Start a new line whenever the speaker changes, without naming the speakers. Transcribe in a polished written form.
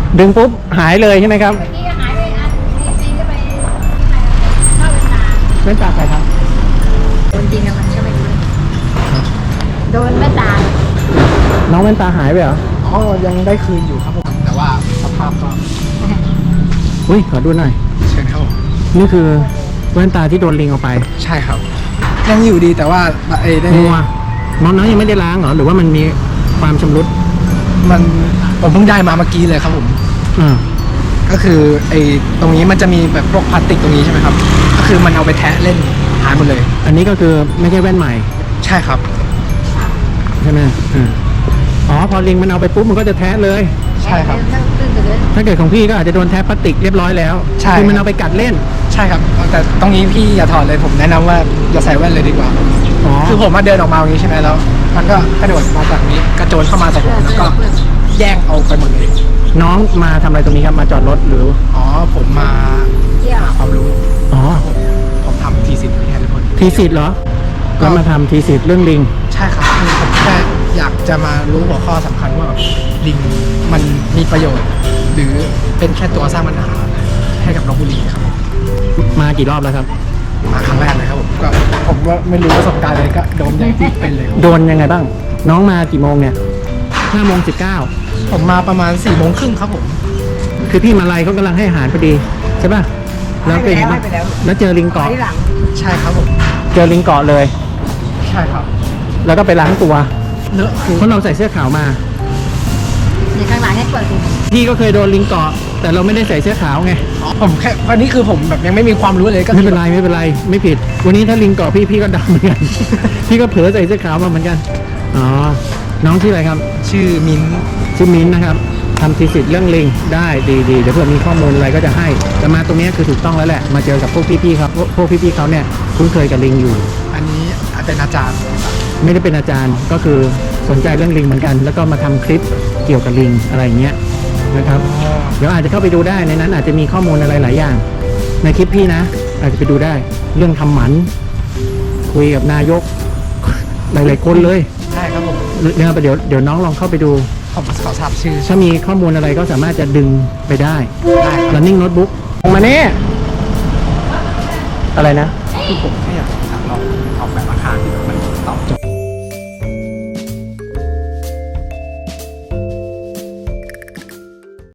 ดึงปุ๊บหายเลยใช่ไหมครับ
เมื่อกี้หายไปอันปีนก็ไปเข้าเวลา
แว่นตาใครครับ
โดนจริงแล้วมันก็ไม่รู้โดนแม่ตา
น้องแว่นตาหายไปเหรอ
อ๋อยังได้คืนอยู่ครับผมแต่ว่าสภาพก็
อุ้ยขอดูหน่อย
เชิญครับผม
นี่คือแว่นตาที่โดนลิงเอาไป
ใช่ครับ ยังอยู่ดีแต่ว่าได้
มัวน้องยังไม่ได้ล้างเหรอหรือว่ามันมีความชำรุด
มันผมเพิ่งได้มาเมื่อกี้เลยครับผม
อ่า
ก็คือตรงนี้มันจะมีแบบพวกพลาสติกตรงนี้ใช่ไหมครับก็คือมันเอาไปแทะเล่นหายหมดเลย
อันนี้ก็คือไม่ใช่แว่นใหม่
ใช่ครับ
ใช่ไหมอ๋อพอลิงมันเอาไปปุ๊บมันก็จะแทะเลย
ใช่ครับ
ตื่นเลย
ถ้าเกิดของพี่ก็อาจจะโดนแทะพลาสติกเรียบร้อยแล้ว
ใช่
คือมันเอาไปกัดเล่น
ใช่ครับแต่ตรงนี้พี่อย่าถอดเลยผมแนะนำว่าอย่าใส่แว่นเลยดีกว่า
อ๋อ
คือผมมาเดินออกมาอย่างนี้ใช่ไหมแล้ว มันก็กระโดดมาจากนี้กระโจนเข้ามาจากผมแล้วก็แย่งเอาไปหมดเลย
น้องมาทำอะไรตรงนี้ครับมาจอดรถหรือ
อ๋อผมมา
เที่ยว
หาความรู้
อ๋อ
ผมทำทีสิทธิ์ให้ทุกคน
ทีสิทธิ์เหรอแล้วมาทำทีสิทธิ์เรื่องลิง
ใช่ครับคือผมแค่อยากจะมารู้หัวข้อสำคัญว่าแบบลิงมันมีประโยชน์ หรือเป็นแค่ตัวสร้างปัญหาให้กับลพบุรีครับผม
มากี่รอบแล้วครับ
มาครั้งแรกเลยครับผมก็ผมว่าไม่รู้ประสบการณ์อะไรก็โดนอย่างที่เป็นเลยครับ
โดนยังไงบ้าง น้องมากี่โมงเนี่ย5:19
ผมมาประมาณ4 โมงครึ่งครับผม
คือพี่มาลัยเขากำลังให้อาหารพอดีใช่ป่ะแล้วเป็นไงบ้างแล้วเจอลิงเกาะ
ที่หลัง
ใช่ครับผม
เจอลิงเกาะเลย
ใช่ครับ
แล้วก็ไปล้างตัว
เลอะคือ
เพราะเราใส่เสื้อขาวมา
ในข้างหลังให้เปิดดู
พี่ก็เคยโดนลิงเกาะแต่เราไม่ได้ใส่เสื้อขาวไง
ผมแค่วันนี้คือผมแบบยังไม่มีความรู้เลยก็
ไม่เป็นไรไม่เป็นไรไม่ผิด วันนี้ถ้าลิงเกาะพี่ก็ดำเหมือนกัน พี่ก็เผลอใส่เสื้อขาวมาเหมือนกันอ๋อน้องชื่ออะไรครับ
ชื่อมิ้นท์
ชื่อมิ้นท์นะครับทำทีสิทธิ์เรื่องลิงได้ดีเดี๋ยวเผื่อมีข้อมูลอะไรก็จะให้แต่มาตรงนี้คือถูกต้องแล้วแหละมาเจอกับพวกพี่ๆครับพวกพี่ๆเขาเนี่ยคุ้นเคยกับลิงอยู่
อันนี้เป็นอาจารย์
ไม่ได้เป็นอาจารย์ก็คือสนใจเรื่องลิงเหมือนกัน แล้วก็มาทำคลิปเกี่ยวกับลิงอะไรอย่างเงี้ยนะครับเดี๋ยวอาจจะเข้าไปดูได้ในนั้นอาจจะมีข้อมูลอะไรหลายอย่าง ในคลิปพี่นะ อาจจะไปดูได้ เรื่องทำหมันคุยกับนายก หลายๆคนเลย
ใช่ครับผม
เดี๋ยวน้องลองเข้าไปดู
ผมขอทราบชื่อ
ถ้ามีข้อมูลอะไรก็สามารถจะดึงไปได้
ได้
running notebook มาเนี่ยอะไรนะ
คือผมแค่อยากลองออกแบบอาคารที่แบบมันตอบโจ